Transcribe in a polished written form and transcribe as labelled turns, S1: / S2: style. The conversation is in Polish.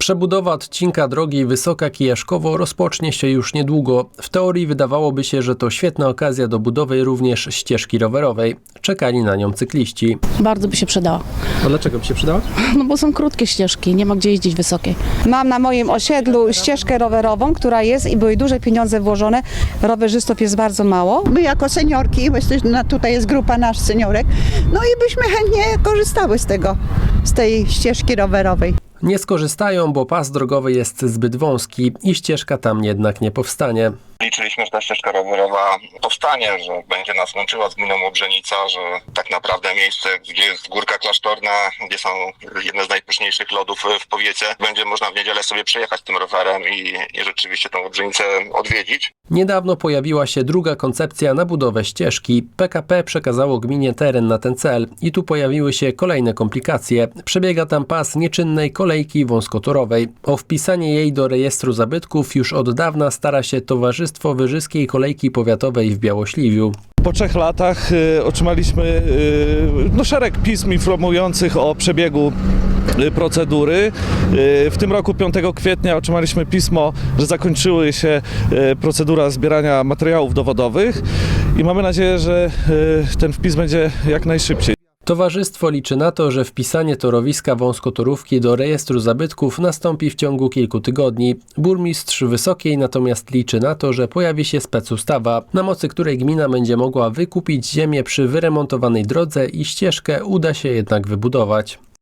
S1: Przebudowa odcinka drogi Wysoka-Kijaszkowo rozpocznie się już niedługo. W teorii wydawałoby się, że to świetna okazja do budowy również ścieżki rowerowej. Czekali na nią cykliści.
S2: Bardzo by się przydała.
S1: A dlaczego by się przydała?
S2: No bo są krótkie ścieżki, nie ma gdzie jeździć wysokie.
S3: Mam na moim osiedlu ścieżkę rowerową, która jest i były duże pieniądze włożone. Rowerzystów jest bardzo mało.
S4: My jako seniorki, bo tutaj jest grupa nasz seniorek, no i byśmy chętnie korzystały z tej ścieżki rowerowej.
S1: Nie skorzystają, bo pas drogowy jest zbyt wąski i ścieżka tam jednak nie powstanie.
S5: Liczyliśmy, że ta ścieżka rowerowa powstanie, że będzie nas łączyła z gminą Łobrzenica, że tak naprawdę miejsce, gdzie jest Górka Klasztorna, gdzie są jedne z najpyszniejszych lodów w powiecie, będzie można w niedzielę sobie przejechać tym rowerem i rzeczywiście tą Łobrzenicę odwiedzić.
S1: Niedawno pojawiła się druga koncepcja na budowę ścieżki. PKP przekazało gminie teren na ten cel i tu pojawiły się kolejne komplikacje. Przebiega tam pas nieczynnej kolejki wąskotorowej. O wpisanie jej do rejestru zabytków już od dawna stara się Towarzystwo Wyżyskiej Kolejki Powiatowej w Białośliwiu.
S6: Po 3 latach otrzymaliśmy szereg pism informujących o przebiegu procedury. W tym roku 5 kwietnia otrzymaliśmy pismo, że zakończyły się procedura zbierania materiałów dowodowych i mamy nadzieję, że ten wpis będzie jak najszybciej.
S1: Towarzystwo liczy na to, że wpisanie torowiska wąskotorówki do rejestru zabytków nastąpi w ciągu kilku tygodni. Burmistrz Wysokiej natomiast liczy na to, że pojawi się specustawa, na mocy której gmina będzie mogła wykupić ziemię przy wyremontowanej drodze i ścieżkę uda się jednak wybudować.